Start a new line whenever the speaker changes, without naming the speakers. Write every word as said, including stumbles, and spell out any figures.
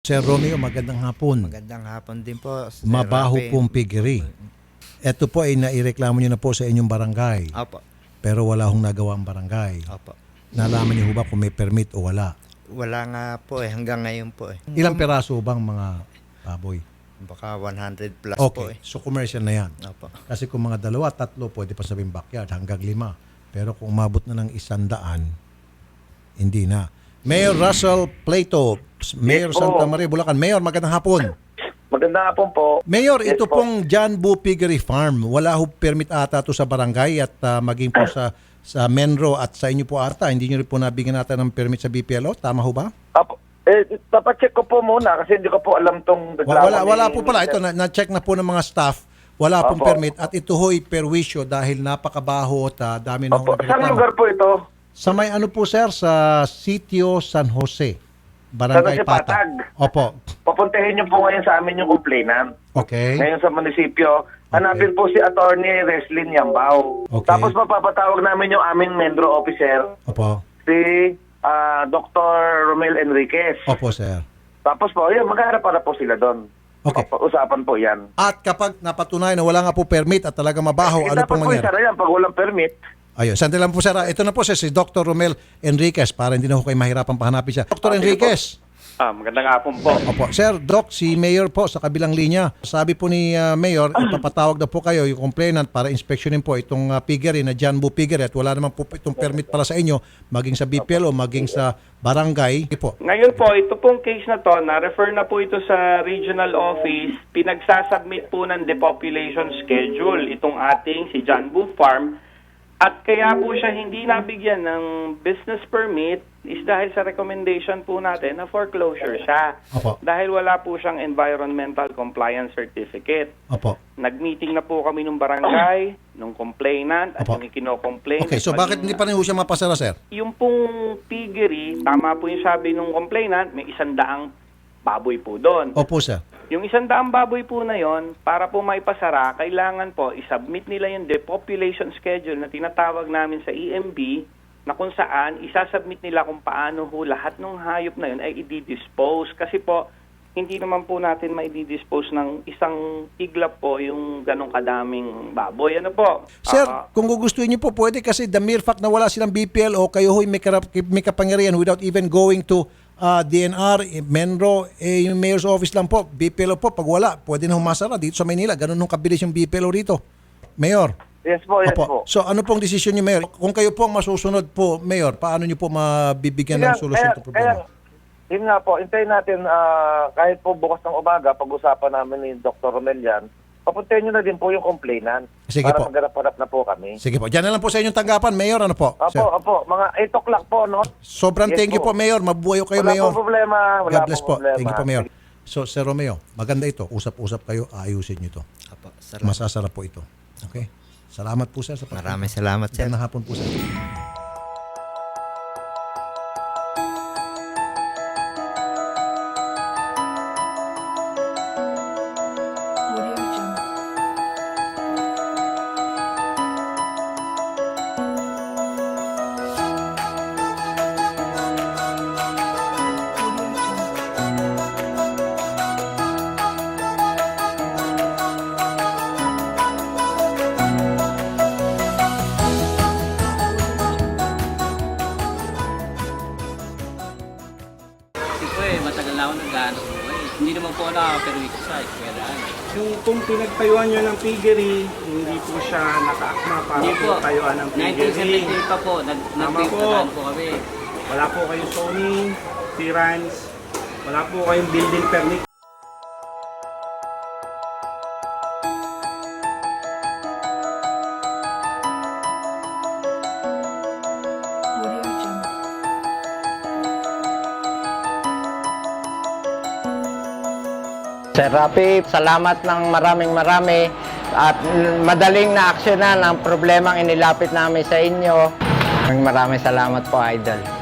Sir Romeo, magandang hapon.
Magandang hapon din po, Sir
Mabaho
Rafi.
pong piggery. Ito po ay naireklamo nyo na po sa inyong barangay.
Opo.
Pero wala hong nagawa ang barangay.
Opo.
Nalaman niyo ho ba kung may permit o wala?
Wala nga po eh, hanggang ngayon po eh.
Ilang peraso bang mga baboy?
Baka one hundred plus po
Okay,
eh.
so commercial na yan.
Opo.
Kasi kung mga dalawa, tatlo, pwede pa sabihin backyard, hanggang lima. Pero kung umabot na ng isandaan, hindi na. Mayor Russell Plato, Mayor
Yes po.
Santa Maria, Bulacan. Mayor, magandang hapon.
Magandang hapon po.
Mayor,
Yes
ito
po.
pong John Boo Piggery Farm. Wala ho permit ata to sa barangay at ah, maging po sa sa Menro at sa inyo po ata. Hindi nyo rin po nabigyan natin ng permit sa B P L O. Tama ho ba?
Apo, eh, papacheck ko po muna kasi hindi ko po alam tong
Wa- Wala, wala po pala. Ito, na- na-check na po ng mga staff. Wala pong
Opo.
permit at ito ho'y perwisyo dahil napakabaho at ah, dami na
Opo,
ho
saan
nagreklamo.
lugar po ito?
Sa may ano po sir, sa Sitio San Jose. Barangay
San Jose,
Patag.
Patag.
Opo.
Papuntahin niyo po ngayon sa amin yung complainant.
Okay.
Ngayon sa munisipyo, hanapin po si Attorney Reslin Yambao.
Okay.
Tapos mapapatawag namin yung aming Mendro officer,
Opo.
si ah, Doctor Romel Enriquez.
Opo sir.
Tapos po, yun, magharap para po sila doon.
Okay.
Opo, usapan po yan.
At kapag napatunayan na wala nga po permit at talaga mabaho,
Eh,
ano
dapat
pong
po
mangyari?
isa na yan pag walang permit.
Ayun, sandali lang po sir. Ah, Ito na po sir, si Doctor Romel Enriquez para hindi na ho kayo mahirapan pahanapin siya. Doctor Enriquez.
Ah, magandang hapon po.
Opo. Sir, Doc, si Mayor po sa kabilang linya. Sabi po ni ah, Mayor, ipapatawag na po kayo yung complainant para inspeksyonin po itong uh, piggery na John Boo Piggery at wala naman po itong permit para sa inyo, maging sa B P L o maging sa barangay. Sige po.
Ngayon po, ito pong case na to, na-refer na po ito sa regional office, pinagsasubmit po ng depopulation schedule itong ating si John Boo Farm. At kaya po siya hindi nabigyan ng business permit is dahil sa recommendation po natin na foreclosure siya.
Opo.
Dahil wala po siyang environmental compliance certificate.
Opo.
Nag-meeting na po kami nung barangay, nung complainant, at
Opo.
yung ikino-complain.
Okay, so
at
bakit
maging-
hindi pa rin ho siya mapasara, sir?
yung pong piggery, tama po yung sabi nung complainant, may isang daang baboy po doon.
Opo, sir.
Yung isang daang baboy po na yon, para po maipasara, kailangan po isubmit nila yung depopulation schedule na tinatawag namin sa E M B, na kung saan isasubmit nila kung paano ho lahat ng hayop na yun ay i-dispose. Kasi po, hindi naman po natin ma-i-dispose ng isang iglap po yung ganong kadaming baboy. Ano po?
Sir,
Ah,
kung gugustuhin niyo po, pwede kasi the mere fact na wala silang B P L o kayo ho'y may, karap, may kapangyarihan without even going to uh, D N R, eh, Menro, eh, yung mayor's office lang po, B P L O po, pag wala, pwede na humasara dito sa Maynila. Ganun nung kabilis yung B P L O rito. Mayor.
Yes po, yes po.
So ano pong desisyon niyo, Mayor? Kung kayo po ang masusunod po, Mayor, paano niyo po mabibigyan ng
Kaya-
solusyon
kaya-
sa problema?
kaya, yun nga po, hintayin natin ah, kahit po bukas ng umaga, pag-usapan namin ni Doctor Romel yan, papuntahin nyo na din po yung complainant
Sige
para
po.
magharap-harap na po kami.
Sige po. Diyan na lang po sa inyong tanggapan, Mayor. Ano po?
Opo,
Sir?
opo, mga eight o'clock po, no?
Sobrang
Yes
thank you po,
po.
Mayor. Mabuhay kayo,
Wala
Mayor.
po problema. Wala
God bless po.
problema.
Thank you po, Mayor. So, Sir Romeo, maganda ito. Usap-usap kayo, ayusin nyo ito.
Opo, salamat.
Masasarap po ito. Okay? Salamat po, sir. Sa
Maraming salamat, sir.
Magandang hapon po, sir.
Audio Jungle. Audio Jungle.
Kasi po eh, matagal na ako nag-aanap buhay. Hindi naman po ako nakaka-permit sa eskwelahan.
Yung kung pinagtayuan nyo ng piggery, hindi po siya nakaakma para
Hindi po.
pinagtayuan ng
nineteen
piggery.
seventy pa po, nag
Tama
nagpiptahan
po.
po kami.
Wala po kayong zoning, clearance, wala po kayong building permit.
Audio Jungle.
Sir Rafi, salamat ng maraming marami at madaling na aksyonan ang problemang inilapit namin sa inyo. Maraming salamat po, Idol.